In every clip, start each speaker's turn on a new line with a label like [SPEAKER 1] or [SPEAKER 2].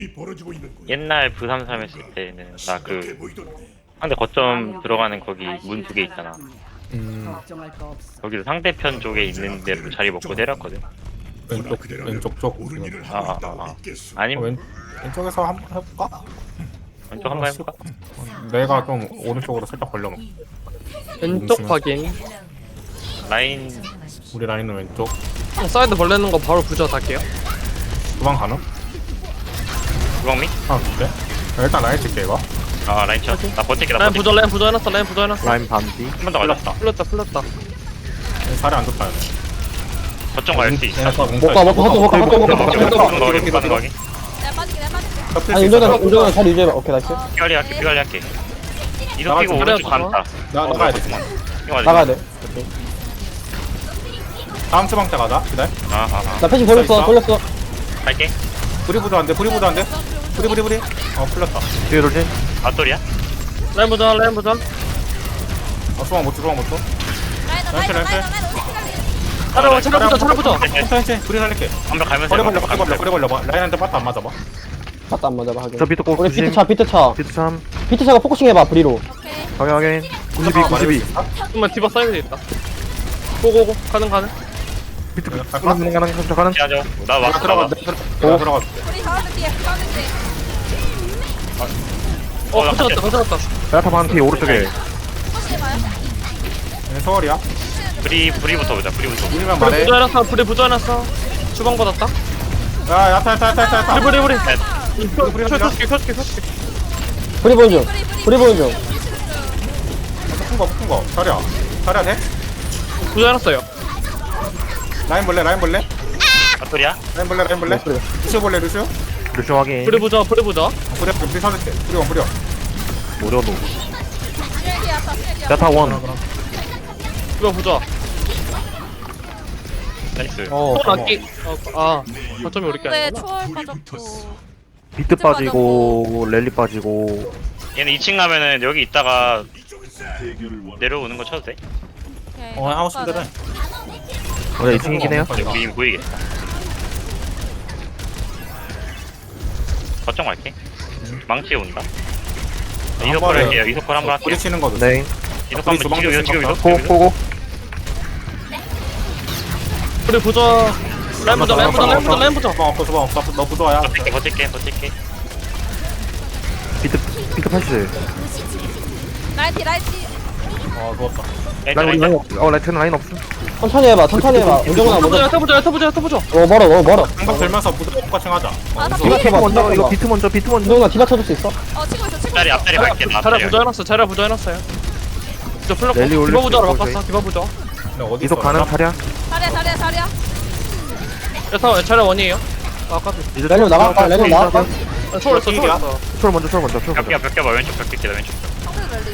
[SPEAKER 1] 옛날 부산 살았을 때는 나 그 상대 거점 들어가는 거기 문 두 개 있잖아. 거기서 상대편 쪽에 있는 데로 자리 먹고 때렸거든.
[SPEAKER 2] 왼쪽 쪽.
[SPEAKER 1] 아니면
[SPEAKER 2] 왼쪽에서 한번 해볼까?
[SPEAKER 1] 왼쪽 한번 해볼까?
[SPEAKER 2] 내가 좀 오른쪽으로 살짝 벌려놓고.
[SPEAKER 3] 왼쪽 확인.
[SPEAKER 1] 라인
[SPEAKER 2] 우리 라인은 왼쪽.
[SPEAKER 3] 사이드 벌레는 거 바로 부자 할게요.
[SPEAKER 2] 도망 가능?
[SPEAKER 1] 주방미?
[SPEAKER 2] 네? 일단 라인 찍게 이거.
[SPEAKER 1] 아 라인 쳐. 나 버틸게 나
[SPEAKER 3] 라인
[SPEAKER 1] 버틸게.
[SPEAKER 3] 부자, 라인 부자 해놨어, 라인 부자 해놨어.
[SPEAKER 4] 라인 반디.
[SPEAKER 1] 한 번 더 걸렸다.
[SPEAKER 3] 풀렸다.
[SPEAKER 2] 자리 안 좋다.
[SPEAKER 1] 거점 갈 수 있어.
[SPEAKER 5] 못 가.
[SPEAKER 1] 가는 거 하기.
[SPEAKER 6] 내가 빠질게.
[SPEAKER 5] 아니 운전은 잘 유지해봐. 오케이 나이스.
[SPEAKER 1] 피관리 할게. 이동 끼고
[SPEAKER 3] 나가자,
[SPEAKER 1] 오른쪽 간다.
[SPEAKER 2] 나가야 돼.
[SPEAKER 5] 나가야 돼.
[SPEAKER 2] 다음 주방 때 가자. 기다려.
[SPEAKER 5] 나 패시 돌렸어.
[SPEAKER 1] 갈게.
[SPEAKER 2] 브리브도 안 돼. 브리. 풀렸다.
[SPEAKER 4] 뒤에 돌지.
[SPEAKER 1] 맞돌이야?
[SPEAKER 3] 라인 부자.
[SPEAKER 2] 주방 못 줘.
[SPEAKER 6] 라인
[SPEAKER 3] 차려 부자.
[SPEAKER 2] 천천히 브리 살릴게.
[SPEAKER 1] 한번 가면서 해봐.
[SPEAKER 2] 버려 걸려봐. 라인한테 빠트 안 맞아봐.
[SPEAKER 5] 맞다 안 맞아 하긴.
[SPEAKER 4] 저 비트 꼭
[SPEAKER 5] 우리
[SPEAKER 4] 조심.
[SPEAKER 5] 비트차.
[SPEAKER 4] 비트 참.
[SPEAKER 5] 비트차가 포커싱 해봐 브리로.
[SPEAKER 4] 확인. 92.
[SPEAKER 3] 잠깐만 디바 사이드 있다. 고고고 가는.
[SPEAKER 4] 비트
[SPEAKER 2] 갈까?
[SPEAKER 4] 가는.
[SPEAKER 1] 피하죠. 나 왔어.
[SPEAKER 2] 들어가. 들어가.
[SPEAKER 6] 우리 가운데 뒤에 가운데.
[SPEAKER 3] 가져갔다.
[SPEAKER 4] 야타 반티 오른쪽에.
[SPEAKER 6] 혹시 봐요?
[SPEAKER 2] 서울이야.
[SPEAKER 1] 브리부터 보자. 브리부터.
[SPEAKER 2] 우리만
[SPEAKER 3] 불이
[SPEAKER 2] 말해.
[SPEAKER 3] 부자 해놨어. 불이 부자 해놨어. 주방 받았다.
[SPEAKER 2] 야, 야타.
[SPEAKER 3] 불이.
[SPEAKER 2] 브리
[SPEAKER 3] 켜줄게.
[SPEAKER 5] 브리 보는 중.
[SPEAKER 2] 큰 거. 자리야 돼?
[SPEAKER 3] 부자 해놨어요.
[SPEAKER 2] 라인 볼래?
[SPEAKER 1] 맞돌이야?
[SPEAKER 2] 라인 볼래? 루시오?
[SPEAKER 4] 루시 확인.
[SPEAKER 3] 불이 부자.
[SPEAKER 2] 브리 살릴게. 브리.
[SPEAKER 4] 오려도.
[SPEAKER 6] 쓰레기야, 다 쓰레기야.
[SPEAKER 4] 야타 원.
[SPEAKER 3] 디바 부자.
[SPEAKER 1] 나이스.
[SPEAKER 3] 초월 안기. 거점이 우리 게
[SPEAKER 6] 네,
[SPEAKER 3] 아니구나.
[SPEAKER 6] 초월 빠졌고.
[SPEAKER 4] 비트 빠지고 랠리 빠지고.
[SPEAKER 1] 얘는 2층 가면은 여기 있다가 내려오는 거 쳐도 돼?
[SPEAKER 6] 오케이.
[SPEAKER 2] 하고 싶은 대로 해.
[SPEAKER 4] 원래 2층이긴 해요.
[SPEAKER 1] 우리 이미 보이겠다. 거점 갈게. 망치 온다. 이소컬 할게요. 이소컬 한번 할게요.
[SPEAKER 2] 브리 치는 거도.
[SPEAKER 4] 네.
[SPEAKER 1] 이소컬 한번 지금
[SPEAKER 4] 고고.
[SPEAKER 3] 불이 부자. 라인 부자.
[SPEAKER 2] 주방 없어. 너 부도야.
[SPEAKER 1] 버틸게.
[SPEAKER 4] 비트 80.
[SPEAKER 6] 라이티.
[SPEAKER 2] 좋았다.
[SPEAKER 4] 라인 라이트는 라인 없음.
[SPEAKER 5] 천천히 해봐. 운전아 먼저.
[SPEAKER 3] 야타 부자.
[SPEAKER 5] 너무 멀어.
[SPEAKER 2] 한방 들면서 부도 똑같이 하자.
[SPEAKER 4] 비트 먼저. 이거 비트 먼저.
[SPEAKER 5] 운전아 디바 쳐줄 수 있어?
[SPEAKER 6] 치고 있어.
[SPEAKER 1] 앞다리 갈게. 나
[SPEAKER 3] 자리야
[SPEAKER 1] 앞다리.
[SPEAKER 3] 부자 해놨어요. 진짜 풀렸고.
[SPEAKER 4] 랠리 올릴
[SPEAKER 3] 디바 부자로
[SPEAKER 4] 수 있고,
[SPEAKER 3] 바꿨어. 디바 부자.
[SPEAKER 4] 이속 가는 타랴.
[SPEAKER 6] 자리야.
[SPEAKER 3] 야타 자리야 원이에요. 아까
[SPEAKER 5] 랠리 나갈까?
[SPEAKER 3] 초월했어.
[SPEAKER 4] 초월 먼저.
[SPEAKER 1] 벽 껴봐. 왼쪽 벽 낄게. 왼쪽.
[SPEAKER 6] 상대 랠리.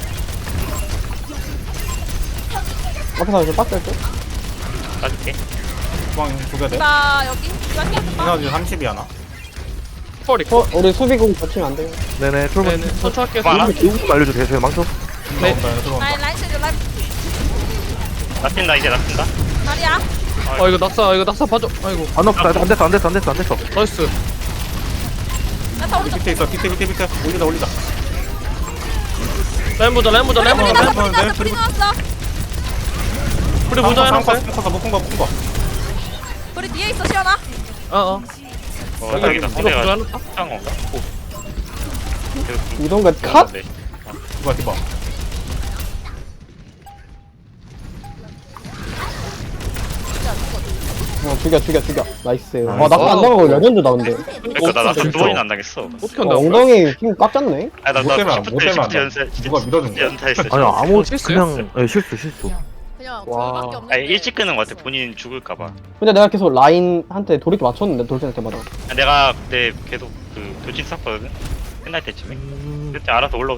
[SPEAKER 5] 앞에서 좀 빡셀 듯?
[SPEAKER 1] 따줄게.
[SPEAKER 2] 주방 두개 돼?
[SPEAKER 6] 나 여기.
[SPEAKER 2] 이나지 30이 하나.
[SPEAKER 3] 초월이.
[SPEAKER 5] 우리 수비공 겹치면 안 돼.
[SPEAKER 4] 네네. 초월 먼저.
[SPEAKER 3] 네네. 천천히 할게요.
[SPEAKER 1] 많아?
[SPEAKER 4] 이거 알려주세요. 제가 망쳐.
[SPEAKER 3] 네.
[SPEAKER 2] 들어온다.
[SPEAKER 6] 라인 쓰레기.
[SPEAKER 1] 나 뛴다. 이제 나 뛴다.
[SPEAKER 6] 자리야.
[SPEAKER 3] 이거 낙사 봐줘. 아이고.
[SPEAKER 4] 안 됐어.
[SPEAKER 3] 나이스.
[SPEAKER 6] 야타 오른쪽.
[SPEAKER 2] 밑에 있어. 밑에. 올리자.
[SPEAKER 3] 라인 부자.
[SPEAKER 6] 불이 나왔어.
[SPEAKER 3] 불이 부자 해놨어요.
[SPEAKER 2] 묶은 거.
[SPEAKER 6] 불이 뒤에 있어, 시원아.
[SPEAKER 1] 여기다.
[SPEAKER 3] 이거 부자 해놨다.
[SPEAKER 1] 한 건가?
[SPEAKER 5] 이동가 컷?
[SPEAKER 1] 네.
[SPEAKER 2] 디바.
[SPEAKER 5] 죽여. 나이스. 낙사 안 나가고 레전드 나온대.
[SPEAKER 1] 그러니까 나 두 번이나 안 당했어.
[SPEAKER 3] 어떻게 한다?
[SPEAKER 5] 엉덩이 힘 꽉 잡네.
[SPEAKER 1] 나
[SPEAKER 2] 못 되면
[SPEAKER 1] 시프트 연습.
[SPEAKER 2] 누가 밀어준 거야?
[SPEAKER 1] 연타했어.
[SPEAKER 4] 아니 아무
[SPEAKER 3] 실수요?
[SPEAKER 4] 그냥 실수.
[SPEAKER 6] 그냥
[SPEAKER 3] 와.
[SPEAKER 6] 그거밖에 없는데.
[SPEAKER 1] 아니 일찍 끄는 거 같아. 본인 죽을까봐.
[SPEAKER 5] 근데 내가 계속 라인한테 돌이키 맞췄는데 돌진할 때마다.
[SPEAKER 1] 내가 그때 계속 그 돌진 쐈거든. 끝날 때쯤에. 그때 알아서 올라오.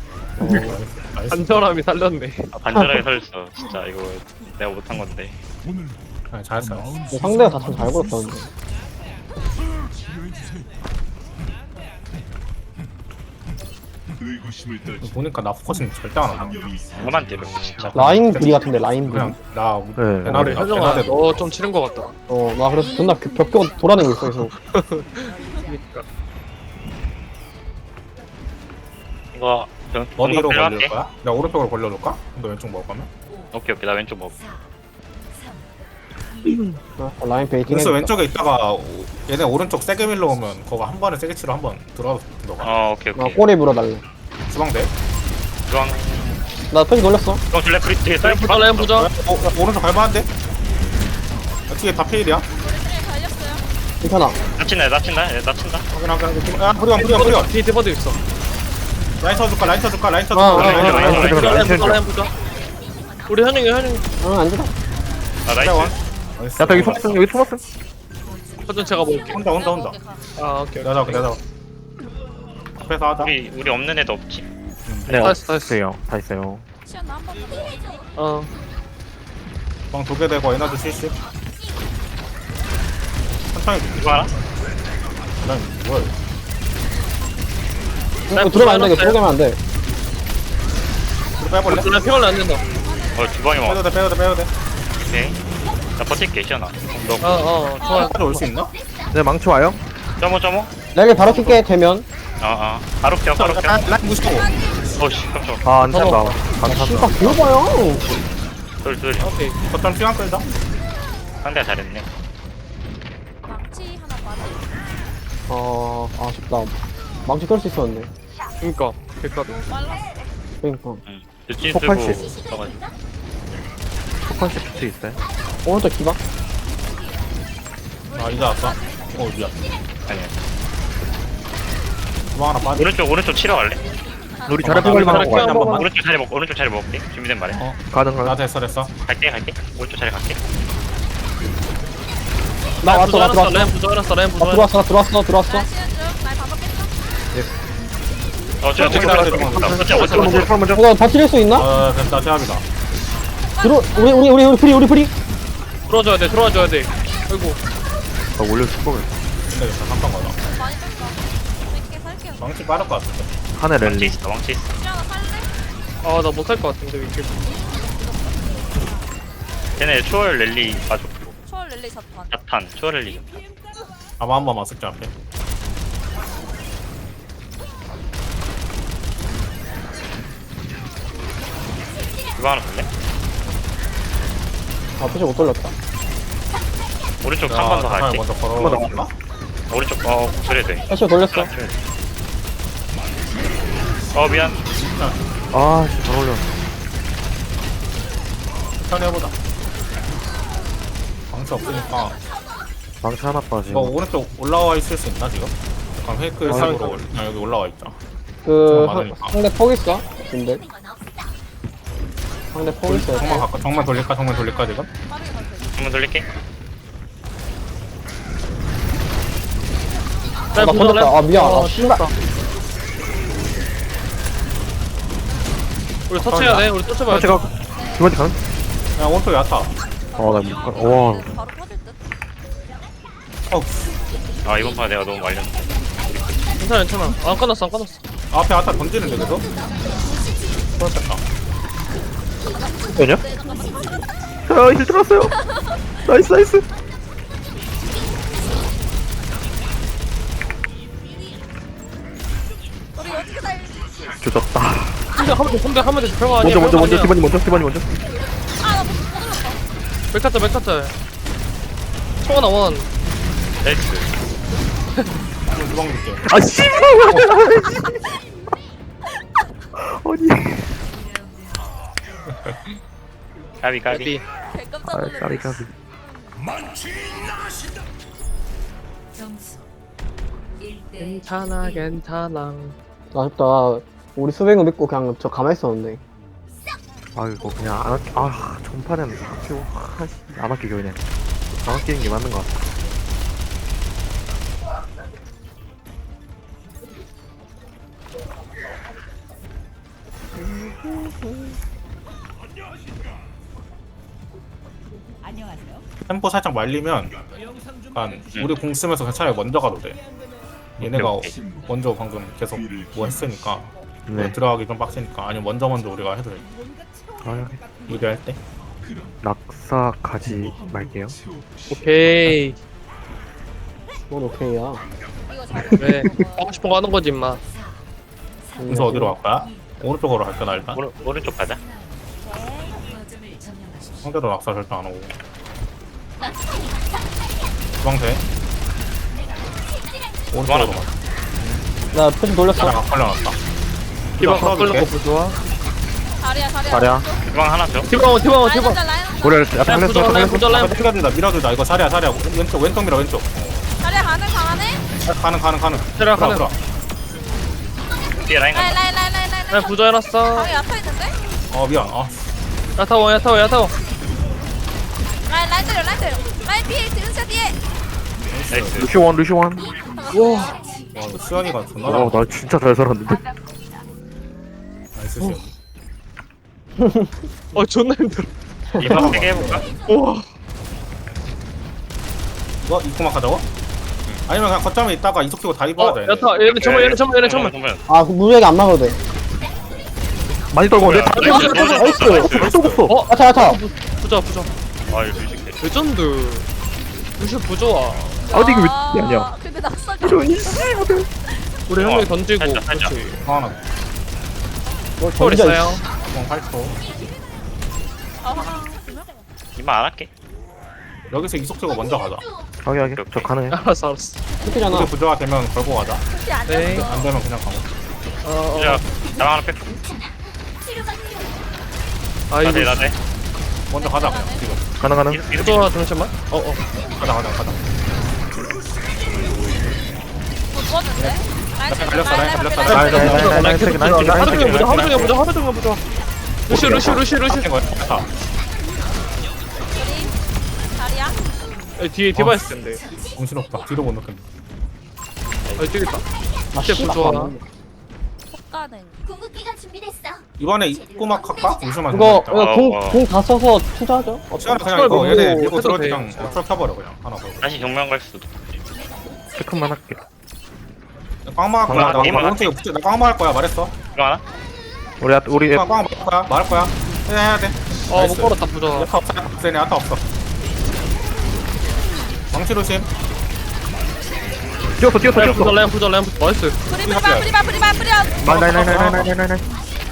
[SPEAKER 3] 간절함이 살렸네.
[SPEAKER 1] 반절하게 설렸어. 진짜 이거 내가 못한 건데.
[SPEAKER 2] 잘했어.
[SPEAKER 5] 근데 상대가 다 참 잘 걸었다 근데.
[SPEAKER 2] 보니까 나 포커싱 절대 안 한다.
[SPEAKER 1] 그만 때려 진짜.
[SPEAKER 5] 라인 불이 같은데 라인 불이.
[SPEAKER 2] 그냥 나
[SPEAKER 4] 네.
[SPEAKER 2] 대나리
[SPEAKER 3] 현정아,
[SPEAKER 2] 대나리
[SPEAKER 3] 너 좀 치는 것 같다.
[SPEAKER 5] 나 그래서 존나 벽 돌아내고 있어 계속.
[SPEAKER 1] 이거
[SPEAKER 2] 어디로
[SPEAKER 1] 필요할게.
[SPEAKER 2] 걸릴 거야? 내가 오른쪽으로 걸려줄까? 너 왼쪽 먹을 거면?
[SPEAKER 1] 오케이 나 왼쪽 먹어.
[SPEAKER 5] 라인 베이팅
[SPEAKER 2] 그래서
[SPEAKER 5] 해줄까?
[SPEAKER 2] 왼쪽에 있다가 얘네 오른쪽 세게 밀러 오면 그거 한 번에 세게 치러 한번 들어가서 너가
[SPEAKER 1] 오케이
[SPEAKER 5] 나
[SPEAKER 1] 오케이.
[SPEAKER 5] 꼬리 물어달래.
[SPEAKER 2] 주방대
[SPEAKER 1] 주황
[SPEAKER 5] 나 표시 돌렸어.
[SPEAKER 1] 주황 줄래 프리 뒤에 쌀
[SPEAKER 3] 부자 라인 부자.
[SPEAKER 2] 오른쪽 갈만한데? 뒤에 다 페일이야?
[SPEAKER 6] 우리 트레 갈렸어요.
[SPEAKER 5] 괜찮아.
[SPEAKER 1] 나친다
[SPEAKER 2] 확인 야 프리온
[SPEAKER 3] 뒤에 디버드 있어.
[SPEAKER 2] 라인 쳐줄까 라인 쳐줄까 라인
[SPEAKER 5] 아,
[SPEAKER 2] 쳐줄까
[SPEAKER 1] 라인
[SPEAKER 2] 라인
[SPEAKER 1] 라인
[SPEAKER 2] 쳐줄까
[SPEAKER 3] 부자 라인 부자 라인 부자. 우리 현영이
[SPEAKER 5] 안 주다.
[SPEAKER 1] 아 나이스.
[SPEAKER 4] 야타 여기 토마스 여기 토마스.
[SPEAKER 3] 허전 제가 먹을게.
[SPEAKER 2] 혼자
[SPEAKER 3] 아 오케이.
[SPEAKER 2] 내가 잡아 앞에서 하자
[SPEAKER 1] 우리 없는 애도 없지.
[SPEAKER 4] 네
[SPEAKER 3] 다 했어.
[SPEAKER 4] 있어요. 다 있어요.
[SPEAKER 6] 시연아 한 번만 더.
[SPEAKER 3] 어.
[SPEAKER 2] 방 2개 되고 에너지 70 천천히
[SPEAKER 1] 이거 알아?
[SPEAKER 2] 난 뭐야
[SPEAKER 5] 들어가면 안 돼. 들어가면 안 돼.
[SPEAKER 2] 이거 빼볼래?
[SPEAKER 3] 라인 피곤해 안 된다.
[SPEAKER 1] 주방에 먹어.
[SPEAKER 2] 빼도 돼
[SPEAKER 1] 오케이. 나 버틸게 시연아. 너
[SPEAKER 3] 좋아.
[SPEAKER 2] 까지 올 수 있나?
[SPEAKER 4] 네 망치 와요.
[SPEAKER 1] 점어.
[SPEAKER 5] 내가 바로 킬게 되면.
[SPEAKER 1] 바로 켜.
[SPEAKER 2] 라인 무시고
[SPEAKER 1] 어씨 깜짝.
[SPEAKER 4] 아안 찬다. 안
[SPEAKER 5] 씨발
[SPEAKER 4] 찬다.
[SPEAKER 5] 귀여워요.
[SPEAKER 1] 둘.
[SPEAKER 3] 오케이.
[SPEAKER 2] 거점 시간 끌자
[SPEAKER 1] 상대가 잘했네.
[SPEAKER 6] 망치 하나 빠져.
[SPEAKER 5] 아쉽다. 망치 끌 수 있었는데.
[SPEAKER 3] 그니까. 백가.
[SPEAKER 6] 빨랐어.
[SPEAKER 5] 그러니까.
[SPEAKER 1] 늦진
[SPEAKER 4] 폭발시.
[SPEAKER 1] 쓰고 써가지고.
[SPEAKER 4] 폭탄 시프트 있어요.
[SPEAKER 5] 오른쪽 기박.
[SPEAKER 2] 이제 왔어 미안
[SPEAKER 1] 아니야.
[SPEAKER 2] 주방 하나 빠져
[SPEAKER 1] 오른쪽 치러 갈래?
[SPEAKER 4] 우리 자리 뽑을 만한 거
[SPEAKER 3] 자리
[SPEAKER 4] 같아.
[SPEAKER 3] 한번
[SPEAKER 1] 오른쪽 자리 먹을게. 준비된 말해.
[SPEAKER 4] 가능
[SPEAKER 2] 나
[SPEAKER 4] 가능.
[SPEAKER 2] 됐어
[SPEAKER 1] 갈게. 오른쪽 자리 갈게.
[SPEAKER 5] 나 왔어. 나 들어왔어.
[SPEAKER 3] 라인 부자 알았어. 라인 부자.
[SPEAKER 5] 나 들어왔어.
[SPEAKER 6] 나 시연 중. 날 받았겠어?
[SPEAKER 1] 저
[SPEAKER 4] 먼저 먼저.
[SPEAKER 5] 이거 버틸 수 있나?
[SPEAKER 2] 됐다 제압이다
[SPEAKER 5] 우리 프리.
[SPEAKER 3] 들어와줘야 돼. 아이고.
[SPEAKER 4] 아 원래 축복을.
[SPEAKER 2] 근데 됐다 잠깐 가자
[SPEAKER 6] 많이 뺐어. 몇개 살게요.
[SPEAKER 2] 망치 빠를 것 같은데
[SPEAKER 4] 한해 랠리.
[SPEAKER 1] 왕치 있어.
[SPEAKER 6] 시연아 살래?
[SPEAKER 3] 나 못 살 것 같은데 이렇게.
[SPEAKER 1] 걔네 초월 랠리 가지고
[SPEAKER 6] 초월 랠리 자판.
[SPEAKER 1] 자탄 초월 랠리.
[SPEAKER 2] 아마 한 번만 쓸게 앞에
[SPEAKER 1] 이거 하나 볼래?
[SPEAKER 5] 표시 못 돌렸다.
[SPEAKER 1] 오른쪽 한 번 더 갈게.
[SPEAKER 2] 먼저 걸어올까?
[SPEAKER 1] 오른쪽 그래 돼.
[SPEAKER 5] 표시 돌렸어.
[SPEAKER 1] 미안.
[SPEAKER 4] 아 진짜 잘 어울려.
[SPEAKER 2] 천천히 해보자 망치 없으니까
[SPEAKER 4] 망치 하나 빠지.
[SPEAKER 2] 이거 오른쪽 올라와 있을 수 있나 지금? 잠깐 페이크 사이로 여기 올라와 있자 많으니까.
[SPEAKER 5] 상대 폭 있어. 근데 상대 폭 있어.
[SPEAKER 2] 정면 돌릴까 지금?
[SPEAKER 6] 빠르게 갈 때.
[SPEAKER 1] 한번 돌릴게.
[SPEAKER 5] 나 건졌다. 미안. 씨발.
[SPEAKER 3] 우리 터치해야 돼. 우리 터치 봐야 돼.
[SPEAKER 4] 제가 두 번째 가는.
[SPEAKER 2] 야 오른쪽 야타
[SPEAKER 4] 아나 못 가. 와.
[SPEAKER 6] 바로 터질 듯.
[SPEAKER 2] 어
[SPEAKER 1] 이번 판 내가 너무 말렸는데.
[SPEAKER 3] 괜찮아. 안 끝났어.
[SPEAKER 2] 앞에 야타 던지는데 계속? 그렇겠다
[SPEAKER 4] 왜냐? 힐 들었어요. 나이스.
[SPEAKER 6] 우리 어떻게 살지?
[SPEAKER 4] 조졌다.
[SPEAKER 3] 하면 돼. 별거 아니야.
[SPEAKER 4] 먼저 디바니 먼저.
[SPEAKER 6] 아나 못 눌렀어.
[SPEAKER 3] 맥카트. 청원아 원.
[SPEAKER 1] 나이스.
[SPEAKER 2] 주방 줄게
[SPEAKER 4] 아 씨발. 아니.
[SPEAKER 1] 까비.
[SPEAKER 3] 까비.
[SPEAKER 6] 개 깜짝
[SPEAKER 4] 아
[SPEAKER 6] 놀랐어.
[SPEAKER 4] 까비.
[SPEAKER 3] 괜찮아.
[SPEAKER 5] 아쉽다. 우리 수백은 믿고 그냥 저 가만히 있었는데.
[SPEAKER 4] 아 이거 그냥 안 아끼. 전판에는 아끼고. 안 아끼고 그냥. 안 아끼는 게 맞는 것 같아.
[SPEAKER 2] 템포 살짝 말리면 약간 우리 공 쓰면서 그냥 차라리 먼저 가도 돼 얘네가
[SPEAKER 1] 오케이.
[SPEAKER 2] 먼저 방금 계속 뭐 했으니까
[SPEAKER 4] 네.
[SPEAKER 2] 들어가기 좀 빡세니까 아니면 먼저 우리가 해도 돼
[SPEAKER 4] 아,
[SPEAKER 2] 유리할 때
[SPEAKER 4] 낙사 가지 말게요.
[SPEAKER 3] 오케이.
[SPEAKER 5] 뭔 오케이야.
[SPEAKER 6] 이거 잘.
[SPEAKER 3] 왜? 하고 싶은 거 하는 거지 임마.
[SPEAKER 2] 공수 어디로 갈 거야? 오른쪽으로 갈 거야 일단.
[SPEAKER 1] 오른쪽 가자.
[SPEAKER 2] 상대로 낙사 절대 안 오고. 주방대. 오른쪽으로 가.
[SPEAKER 5] 나 표지 돌렸어.
[SPEAKER 2] 아, 걸려놨다.
[SPEAKER 3] 디바
[SPEAKER 2] 풀어줄게.
[SPEAKER 3] 걸는 거 좋아.
[SPEAKER 6] 자리야
[SPEAKER 4] 자리야.
[SPEAKER 1] 주방 하나 줘.
[SPEAKER 3] 디바
[SPEAKER 6] 라인
[SPEAKER 3] 디바
[SPEAKER 6] 혼자 라인 혼자.
[SPEAKER 4] 우리 약간
[SPEAKER 3] 라인 부조
[SPEAKER 4] 했어.
[SPEAKER 3] 라인 부조 라인
[SPEAKER 2] 밀어준다 밀어준다. 이거 자리야 왼쪽 밀어 왼쪽.
[SPEAKER 6] 자리야 가능해?
[SPEAKER 2] 가는.
[SPEAKER 3] 자리야, 가능.
[SPEAKER 2] 들어.
[SPEAKER 1] 뒤에 라인 간다.
[SPEAKER 6] 라인.
[SPEAKER 3] 라인 부조 해놨어.
[SPEAKER 6] 방에 야타 있는데?
[SPEAKER 2] 미안.
[SPEAKER 3] 야타워
[SPEAKER 6] 라인 때려. 라인 뒤에 은사 뒤에.
[SPEAKER 1] 나이스.
[SPEAKER 4] 루시원.
[SPEAKER 2] 와 이거 수현이가 존나
[SPEAKER 4] 와, 나 진짜 잘 살았는데.
[SPEAKER 2] 나이스 수현.
[SPEAKER 3] 존나 힘들어.
[SPEAKER 1] 이번 세게 해볼까?
[SPEAKER 3] 우와.
[SPEAKER 2] 이거 입고막 하자고? 아니면 그냥 거점에 있다가 이속 키고 다 입어야 돼.
[SPEAKER 3] 야타 얘는 정말.
[SPEAKER 5] 아, 그 무리하게 안 막아도 돼.
[SPEAKER 4] 많이 떨고 내
[SPEAKER 5] 나이스.
[SPEAKER 4] 또 없어.
[SPEAKER 5] 야타.
[SPEAKER 3] 부조.
[SPEAKER 1] 아 이거 뮤직해.
[SPEAKER 3] 레전드. 루시 부조아.
[SPEAKER 4] 아, 근데 이거 왜 아니야?
[SPEAKER 6] 근데 낙사가.
[SPEAKER 3] 우리 한 명이 던지고.
[SPEAKER 1] 살짝.
[SPEAKER 3] 그렇지.
[SPEAKER 2] 하나.
[SPEAKER 5] 뭘
[SPEAKER 3] 초월
[SPEAKER 5] 던져,
[SPEAKER 3] 있어요.
[SPEAKER 2] 주방 8초.
[SPEAKER 1] 이만 안 할게.
[SPEAKER 2] 여기서 이속 키고 먼저 가자.
[SPEAKER 4] 하게. 저 가능해.
[SPEAKER 3] 알았어.
[SPEAKER 5] 이렇게잖아.
[SPEAKER 2] 우리 부조화 되면 걸고 가자.
[SPEAKER 3] 네.
[SPEAKER 2] 안 되면 그냥 가고.
[SPEAKER 1] 자, 나랑 하나 뺄.
[SPEAKER 3] 아 이거
[SPEAKER 1] 나대.
[SPEAKER 2] 먼저 가자 그냥 지금.
[SPEAKER 4] 가능.
[SPEAKER 3] 부조아 잠시만.
[SPEAKER 2] 가자.
[SPEAKER 6] 누웠는데?
[SPEAKER 2] 라인
[SPEAKER 3] 하루 종일 보자. 루시.
[SPEAKER 2] 다
[SPEAKER 6] 자리야?
[SPEAKER 3] 뒤에 디바 있을 텐데.
[SPEAKER 2] 정신없다. 뒤로 못 넣겠네.
[SPEAKER 3] 저기 있다.
[SPEAKER 5] 아,
[SPEAKER 3] 진짜
[SPEAKER 5] 씨발.
[SPEAKER 3] 부조아.
[SPEAKER 6] 폭가는.
[SPEAKER 7] 궁극기가 준비됐어.
[SPEAKER 2] 이번에 입고막 할까? 잠시만.
[SPEAKER 5] 이거
[SPEAKER 1] 와.
[SPEAKER 5] 공 다 써서 투자하죠.
[SPEAKER 2] 시간은 그냥
[SPEAKER 3] 시간
[SPEAKER 2] 이거
[SPEAKER 3] 보고
[SPEAKER 2] 얘네 밀고
[SPEAKER 3] 해도
[SPEAKER 2] 들어올 때
[SPEAKER 3] 돼.
[SPEAKER 2] 그냥 어쩔 켜버려 그냥 하나 걸고.
[SPEAKER 1] 다시 정면 갈 수도.
[SPEAKER 4] 체크만 할게.
[SPEAKER 2] 꽝마 할 거야. 나
[SPEAKER 1] 꽝마
[SPEAKER 2] 오른쪽에 붙여. 나 꽝마 할 거야. 말했어.
[SPEAKER 1] 이거 하나?
[SPEAKER 4] 우리
[SPEAKER 2] 꽝마 할 거야. 말할 거야. 해야 돼.
[SPEAKER 3] 못 걸었다 부조아.
[SPEAKER 2] 야타 없어. 쟤네 야타 없어. 망치 조심.
[SPEAKER 4] 뛰었어.
[SPEAKER 3] 라인 부조. 나이스.
[SPEAKER 6] 프리바.
[SPEAKER 4] 나이.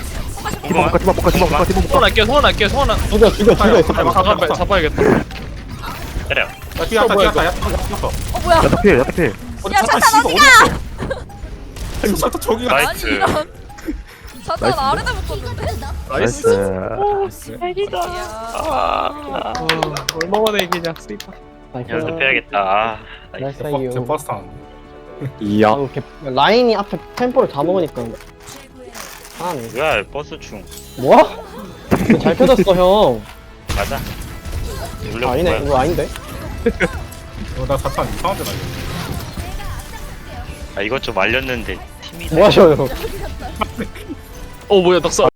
[SPEAKER 4] 디바 볼까.
[SPEAKER 3] 소환할게요.
[SPEAKER 5] 죽여.
[SPEAKER 3] 잡아야겠다.
[SPEAKER 1] 때려.
[SPEAKER 2] 야 뒤에 야타 야타.
[SPEAKER 6] 뭐야?
[SPEAKER 4] 야타 필.
[SPEAKER 6] 야 차탄 어디가?
[SPEAKER 2] 야타 저기가.
[SPEAKER 1] 나이스.
[SPEAKER 6] 아니 이런. 차탄 아래다 묶었는데?
[SPEAKER 4] 나이스.
[SPEAKER 6] 이야.
[SPEAKER 3] 얼마 만에 이기냐 스이파.
[SPEAKER 1] 연습해야겠다.
[SPEAKER 5] 나이스
[SPEAKER 2] 개
[SPEAKER 5] 이유.
[SPEAKER 2] 버스 타는.
[SPEAKER 4] 이야.
[SPEAKER 5] 아, 라인이 앞에 템포를 다 먹으니까. 아,
[SPEAKER 1] 뭐야 버스 중.
[SPEAKER 5] 뭐야? 이거 잘 펴졌어 형.
[SPEAKER 1] 맞아. 물론
[SPEAKER 5] 아니네,
[SPEAKER 1] 뭐야.
[SPEAKER 5] 이거 아닌데.
[SPEAKER 2] 나 사탄 이상한데 나 이거.
[SPEAKER 1] 이것 좀 말렸는데 팀이
[SPEAKER 5] 뭐 하셔요?
[SPEAKER 3] 뭐야 낙사.